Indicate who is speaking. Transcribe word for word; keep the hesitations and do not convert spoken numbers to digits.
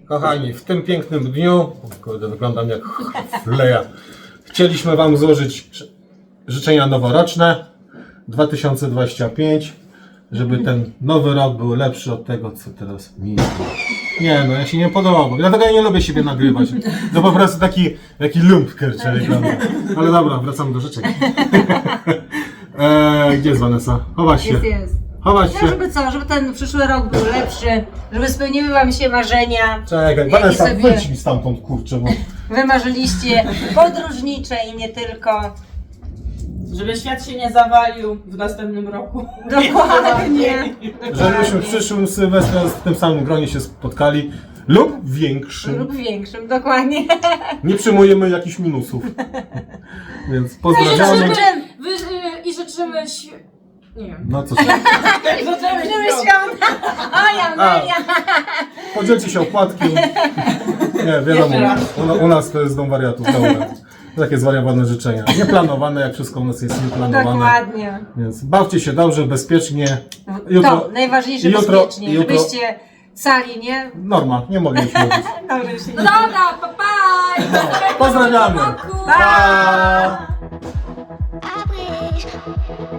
Speaker 1: Kochani, w tym pięknym dniu, kurde, wyglądam jak fleja, chcieliśmy Wam złożyć życzenia noworoczne dwa tysiące dwudziesty piąty, żeby ten nowy rok był lepszy od tego, co teraz minął. Nie no, ja się nie podoba, dlatego ja nie lubię siebie nagrywać. To po prostu taki, taki lumpker, czyli ale dobra, wracamy do życzeń. eee, gdzie jest Vanessa? Chować się.
Speaker 2: Jest, jest.
Speaker 1: Chować się.
Speaker 2: No, żeby co, żeby ten przyszły rok był lepszy, żeby spełniły Wam się marzenia.
Speaker 1: Czekaj, Vanessa, wyjdź mi stamtąd, kurczę, bo...
Speaker 2: Wymarzyliście podróżnicze i nie tylko.
Speaker 3: Żeby świat się nie zawalił w następnym roku.
Speaker 2: Dokładnie.
Speaker 1: Żebyśmy w przyszłym Sylwestrze w tym samym gronie się spotkali lub większym.
Speaker 2: Lub większym, dokładnie.
Speaker 1: Nie przyjmujemy jakichś minusów. Więc
Speaker 3: I
Speaker 1: pozdrawiamy.
Speaker 3: życzymy, wy, y, i życzymy świ... Nie wiem.
Speaker 1: No co się...
Speaker 3: Życzymy
Speaker 2: Żeby
Speaker 3: świąt.
Speaker 2: świąt. O ja,
Speaker 1: A.
Speaker 2: Maria.
Speaker 1: Podzielcie się opłatkiem. Nie, wiadomo,
Speaker 3: Jeszcze raz.
Speaker 1: u, u nas to jest dom wariatów. Dobra. Takie zwariowane życzenia. Nieplanowane, jak wszystko u nas jest nieplanowane.
Speaker 2: Dokładnie.
Speaker 1: Więc bawcie się dobrze, bezpiecznie. Jutro,
Speaker 2: To najważniejsze
Speaker 1: jutro-
Speaker 2: bezpiecznie,
Speaker 1: jutro-
Speaker 2: żebyście cali, nie?
Speaker 1: Norma, nie mogę już mówić.
Speaker 2: Dobrze się
Speaker 3: No dobra, pa pa!
Speaker 1: Pozdrawiamy.
Speaker 3: Roku.
Speaker 1: Pa!
Speaker 4: I wish